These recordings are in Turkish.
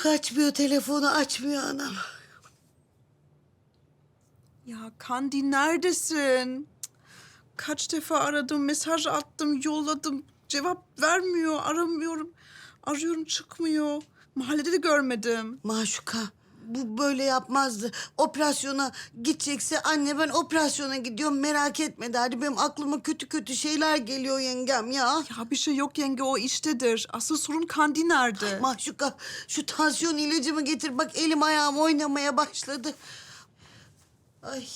Yok açmıyor telefonu açmıyor anam. Ya Kandi neredesin? Kaç defa aradım, mesaj attım, yolladım. Cevap vermiyor, aramıyorum. Arıyorum çıkmıyor. Mahallede de görmedim. Maşuka bu böyle yapmazdı. Operasyona gidecekse anne ben operasyona gidiyorum merak etme derdi. Benim aklıma kötü kötü şeyler geliyor yengem ya. Ya bir şey yok yenge, o iştedir. Asıl sorun Kandi nerede? Maşuka şu tansiyon ilacımı getir bak elim ayağım oynamaya başladı. Ay.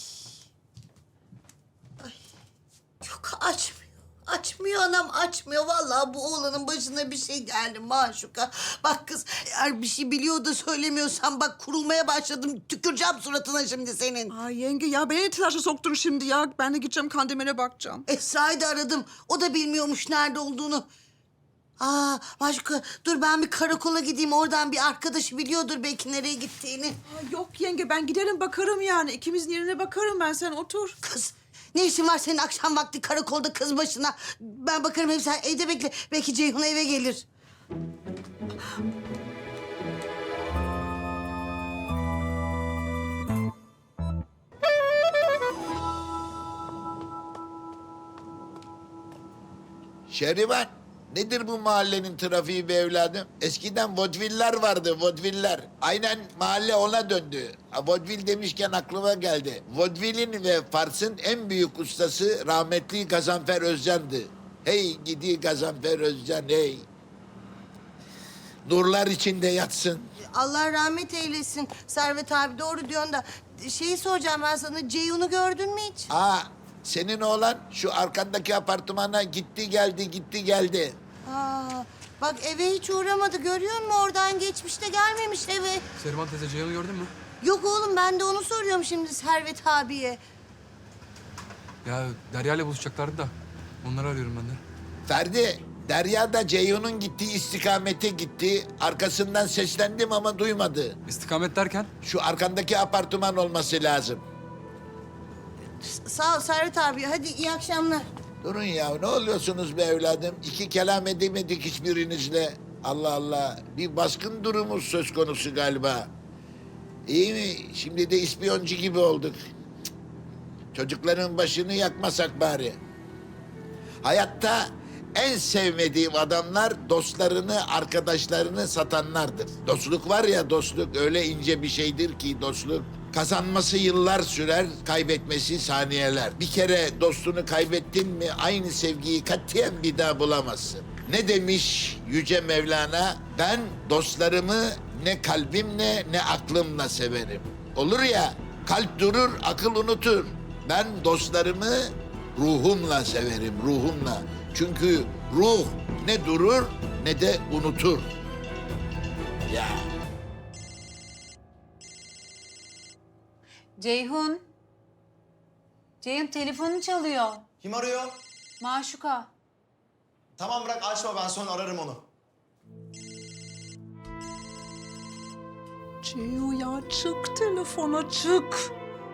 Ay. Yok açmıyor. Açmıyor anam açmıyor. Vallahi bu oğlanın başına bir şey geldi Maşuka. Bak kız eğer bir şey biliyor da söylemiyorsan bak kurulmaya başladım. Tüküreceğim suratına şimdi senin. Ay yenge ya beni telaşa soktun şimdi ya. Ben de gideceğim Kandemir'e bakacağım. Esra'yı da aradım. O da bilmiyormuş nerede olduğunu. Aa Maşuka dur ben bir karakola gideyim. Oradan bir arkadaşı biliyordur belki nereye gittiğini. Ay yok yenge, ben giderim bakarım yani. İkimizin yerine bakarım ben, sen otur. Kız ne işin var senin akşam vakti karakolda kız başına? Ben bakarım hep sen evde bekle. Belki Ceyhun eve gelir. Şerivan, nedir bu mahallenin trafiği be evladım? Eskiden vodviller vardı, vodviller. Aynen mahalle ona döndü. Vodvil demişken aklıma geldi. Vodvilin ve Fars'ın en büyük ustası rahmetli Gazanfer Özcan'dı. Hey gidi Gazanfer Özcan, hey. Nurlar içinde yatsın. Allah rahmet eylesin. Servet abi doğru diyorsun da. Şeyi soracağım ben sana. Ceyhun'u gördün mü hiç? Aa, senin oğlan şu arkandaki apartmana gitti geldi, gitti geldi. Aa, bak eve hiç uğramadı. Görüyor musun? Oradan geçmiş de gelmemiş eve. Seriman teyze Ceyhun'u gördün mü? Yok oğlum ben de onu soruyorum şimdi Servet abiye. Ya Derya ile buluşacaklardı da. Onları arıyorum ben de. Ferdi, Derya da Ceyhun'un gittiği istikamete gitti. Arkasından seslendim ama duymadı. İstikamet derken? Şu arkandaki apartman olması lazım. Sağ ol Servet abi. Hadi iyi akşamlar. Durun ya, ne oluyorsunuz be evladım? İki kelam edemedik hiçbirinizle. Allah Allah, bir baskın durumu söz konusu galiba. İyi mi? Şimdi de ispiyoncu gibi olduk. Cık. Çocukların başını yakmasak bari. Hayatta en sevmediğim adamlar dostlarını, arkadaşlarını satanlardır. Dostluk var ya, dostluk öyle ince bir şeydir ki dostluk. Kazanması yıllar sürer, kaybetmesi saniyeler. Bir kere dostunu kaybettin mi aynı sevgiyi katiyen bir daha bulamazsın. Ne demiş Yüce Mevlana? Ben dostlarımı ne kalbimle ne aklımla severim. Olur ya, kalp durur, akıl unutur. Ben dostlarımı ruhumla severim, ruhumla. Çünkü ruh ne durur ne de unutur. Ya. Ceyhun. Ceyhun telefonun çalıyor. Kim arıyor? Maşuka. Tamam bırak açma ben sonra ararım onu. Ceyhun ya çık telefona çık.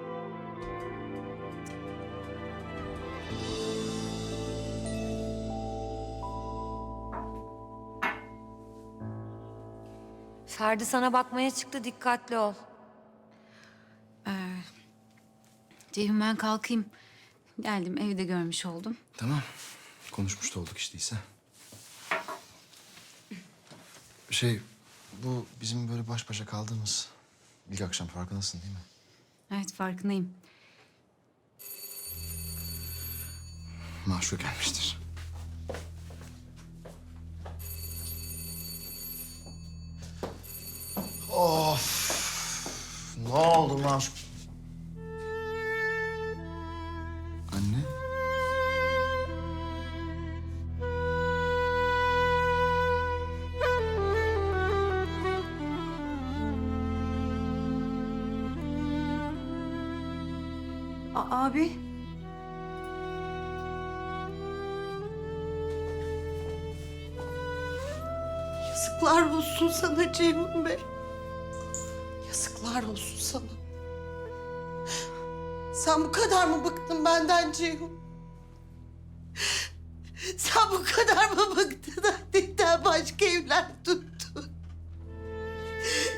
Ferdi sana bakmaya çıktı, dikkatli ol. Ceyhun ben kalkayım. Geldim evde görmüş oldum. Tamam. Konuşmuş da olduk işte ise. Bu bizim böyle baş başa kaldığımız ilk akşam, farkındasın değil mi? Evet farkındayım. Maşuk gelmiştir. Of. Ne oldu lan? Anne. Abi. Yazıklar olsun sana Ceyhun Bey. Yazıklar olsun sana. Sen bu kadar mı bıktın benden Ceyhun? Sen bu kadar mı bıktın annemden başka evler tuttun?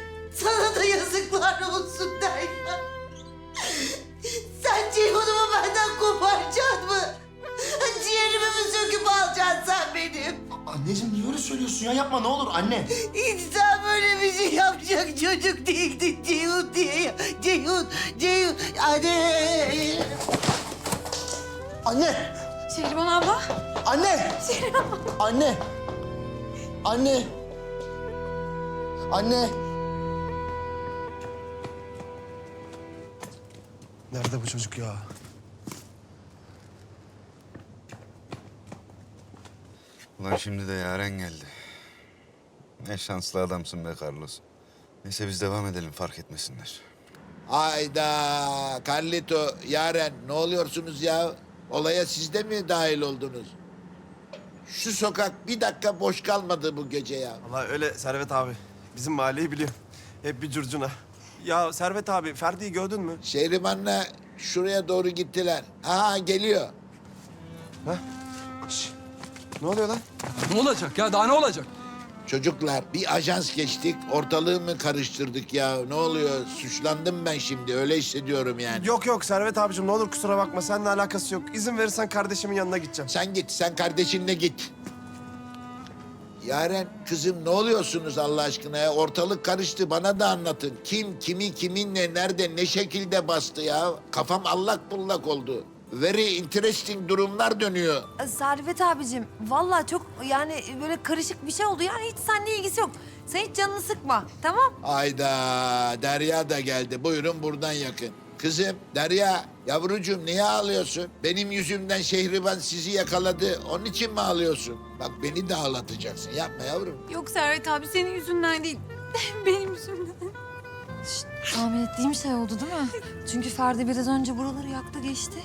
Anneciğim niye öyle söylüyorsun ya? Yapma ne olur anne. İnsan böyle bir şey yapacak çocuk değildi Ceyhun diye. Ceyhun. Anne. Anne! Şehriban abla. Anne! Anne! Anne! Anne! Nerede bu çocuk ya? Ulan şimdi de Yaren geldi. Ne şanslı adamsın be Carlos. Neyse biz devam edelim fark etmesinler. Hayda Carlito, Yaren ne oluyorsunuz ya? Olaya siz de mi dahil oldunuz? Şu sokak bir dakika boş kalmadı bu gece ya. Vallahi öyle Servet abi. Bizim mahalleyi biliyor. Hep bir curcuna. Ya Servet abi, Ferdi'yi gördün mü? Şehriman'la şuraya doğru gittiler. Aha geliyor. Şş, ne oluyor lan? Ne olacak ya? Daha ne olacak? Çocuklar bir ajans geçtik, ortalığı mı karıştırdık ya? Ne oluyor? Suçlandım ben şimdi, öyle hissediyorum yani. Yok Servet abicim ne olur kusura bakma. Seninle alakası yok. İzin verirsen kardeşimin yanına gideceğim. Sen git, sen kardeşinle git. Yaren kızım ne oluyorsunuz Allah aşkına ya? Ortalık karıştı, bana da anlatın. Kim, kimi, kiminle, nerede, ne şekilde bastı ya? Kafam allak bullak oldu. Very interesting durumlar dönüyor. Servet abicim, vallahi çok yani böyle karışık bir şey oldu. Yani hiç seninle ilgisi yok. Sen hiç canını sıkma, tamam? Ayda Derya da geldi. Buyurun buradan yakın. Kızım Derya, yavrucuğum niye ağlıyorsun? Benim yüzümden Şehriban sizi yakaladı. Onun için mi ağlıyorsun? Bak beni de ağlatacaksın. Yapma yavrum. Yok Servet abi senin yüzünden değil. Benim yüzümden. Tahmin ettiğim şey oldu değil mi? Çünkü Ferdi biraz önce buraları yaktı geçti.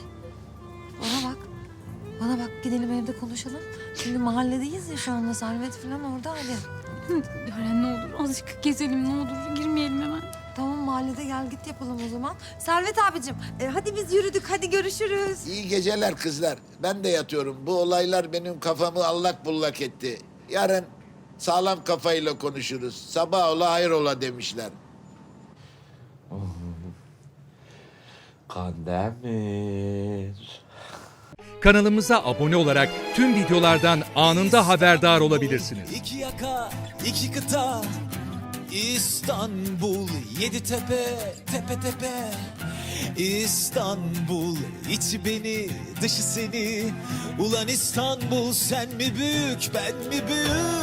Bana bak gidelim evde konuşalım. Şimdi mahalledeyiz ya şu anda Servet falan orada hadi. Yaren ne olur azıcık gezelim ne olur girmeyelim hemen. Tamam mahallede gel git yapalım o zaman. Servet abicim hadi biz yürüdük hadi görüşürüz. İyi geceler kızlar. Ben de yatıyorum. Bu olaylar benim kafamı allak bullak etti. Yarın sağlam kafayla konuşuruz. Sabah ola hayır ola demişler. Kandemir. Kanalımıza abone olarak tüm videolardan anında haberdar olabilirsiniz. İki yaka, iki kıta, İstanbul, yedi tepe, tepe tepe. İstanbul, içi beni, dışı seni. Ulan İstanbul, sen mi büyük, ben mi büyük?